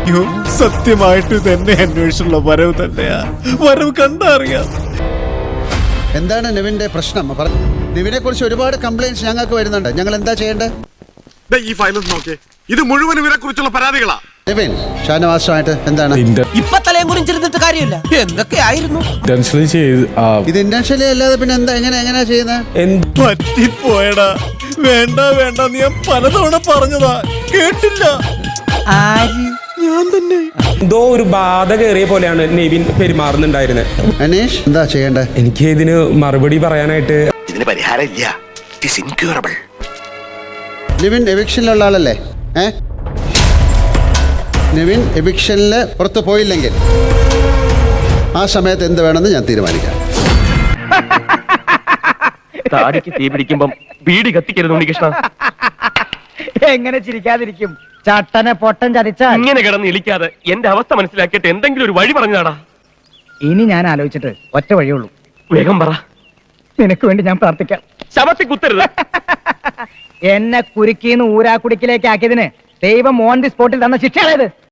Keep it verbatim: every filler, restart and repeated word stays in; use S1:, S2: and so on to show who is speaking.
S1: അയ്യോ, സത്യമായിട്ട് തന്നെ അന്വേഷിച്ചുള്ള വരവ് തന്നെയാ. വരവ് കണ്ടറിയാം.
S2: എന്താണ് നിവിന്റെ പ്രശ്നം? നിവിനെ കുറിച്ച് ഒരുപാട് കംപ്ലൈന്റ്സ് ഞങ്ങൾക്ക് വരുന്നുണ്ട്. ഞങ്ങൾ എന്താ ചെയ്യേണ്ടത്?
S3: ഈ ഫയലും നോക്കേ, ഇത് മുഴുവൻ ഇവരെ കുറിച്ചുള്ള പരാതികളാ.
S2: നിവിൻ ഷാനവാസുമായിട്ട് എന്താണ്?
S4: ഇപ്പൊ തലയും കുറിച്ചിരുന്നിട്ട് കാര്യമില്ല. എന്തൊക്കെയായിരുന്നു
S2: ഇത് ഇന്റൻഷ്യലി അല്ലാതെ പിന്നെ എന്താ എങ്ങനെ എങ്ങനെയാ ചെയ്യുന്നത്?
S1: പറ്റിപ്പോയടാ. വേണ്ട വേണ്ട നീ ഞാൻ പലതവണ പറഞ്ഞതാ, കേട്ടില്ല.
S4: ആര്?
S1: ഞാൻ തന്നെ.
S5: എന്തോ ഒരു ബാധ കയറിയ പോലെയാണ് നെവിൻ പെരുമാറുന്നുണ്ടായിരുന്നത്.
S2: അനീഷ് എന്താ ചെയ്യേണ്ടത്?
S5: എനിക്ക് ഇതിന് മറുപടി പറയാനായിട്ട്
S3: ഇതിന് പരിഹാരം ഇല്ല. It is incurable.
S2: നിവിൻ എവിക്ഷനിലുള്ള ആളല്ലേ? ഏ നിവിൻ എവിക്ഷനിൽ പുറത്ത് പോയില്ലെങ്കിൽ ആ സമയത്ത് എന്ത് വേണമെന്ന് ഞാൻ തീരുമാനിക്കാം.
S6: താടിക്ക് തീ പിടിക്കുമ്പം ബീഡി കത്തിക്കരുത് ഉണ്ണികൃഷ്ണ.
S4: എങ്ങനെ ചിരിക്കാതിരിക്കും? ചട്ടനെ പൊട്ടൻ ചതിച്ചാ
S6: ഇങ്ങനെ കിടന്ന് ഇളിക്കാതെ എന്റെ അവസ്ഥ മനസ്സിലാക്കിയിട്ട് എന്തെങ്കിലും ഒരു വഴി പറഞ്ഞാടാ.
S4: ഇനി ഞാൻ ആലോചിച്ചിട്ട് ഒറ്റ വഴിയുള്ളൂ.
S6: വേഗം പറ.
S4: നിനക്ക് വേണ്ടി ഞാൻ പ്രാർത്ഥിക്കാം.
S6: ശവത്തി കുത്തരുത്.
S4: എന്നെ കുരുക്കിന്ന് ഊരാക്കുടിക്കിലേക്ക് ആക്കിയതിന് ദൈവം ഓൺ ദി സ്പോട്ടിൽ തന്ന ശിക്ഷയാണത്.